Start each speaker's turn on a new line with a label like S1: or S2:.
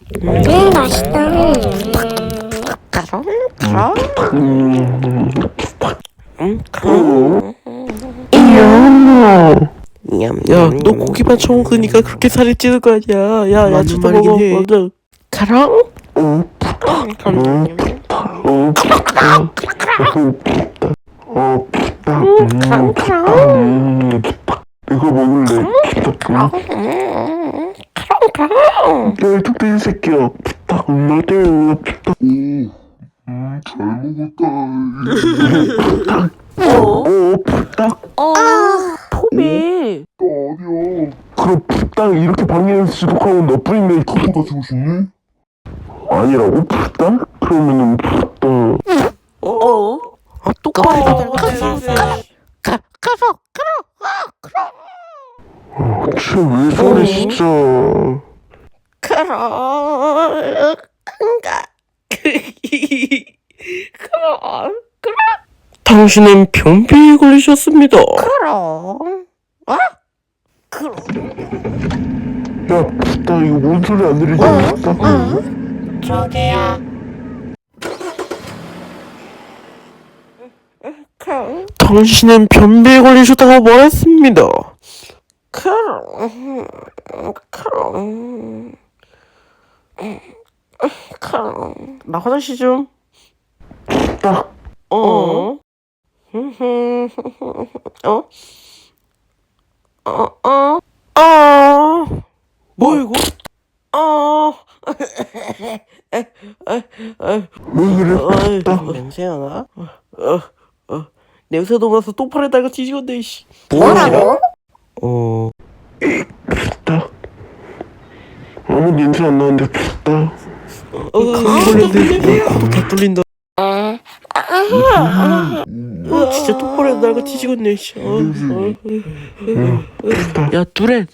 S1: 맛있다.
S2: 야, 너 고기만 처먹으니까 그렇게 살이 찌는 거 아니야. 야, 야채도 먹어. 먼저. 가랑?
S3: 이거 먹을래. 야, 이 뚝배기 새끼야. 부탁, 엄마 때문에 부탁. 부탁.
S2: 포비.
S3: 아니야. 그럼 부탁 이렇게 방해해서 지독하고 너뿐인데 그거보다 주고 싶니? 아니라고? 부탁? 그러면은 부탁.
S2: 똑바로
S3: 쟤왜 저래 진짜.
S2: 당신은 변비에 걸리셨습니다.
S3: 야, 부탁 이거 뭔 소리 안 들리냐? 부탁.
S2: 당신은 변비에 걸리셨다고 말했습니다. 나 화장실 좀.
S3: 부탁.
S2: 어? 뭐 이거?
S3: 왜 그래? 부탁.
S2: 냄새가 나? 냄새도 나서 똥파래 달고 뒤지겠네, 씨.
S1: 뭐라고?
S3: 부탁. 아무 냄새 안 나는데 부탁.
S2: 감기 걸렸네. 코도 다 뚫린다. 진짜 똥파래 달고 뒤지겠네, 씨. 야, 뚜렛.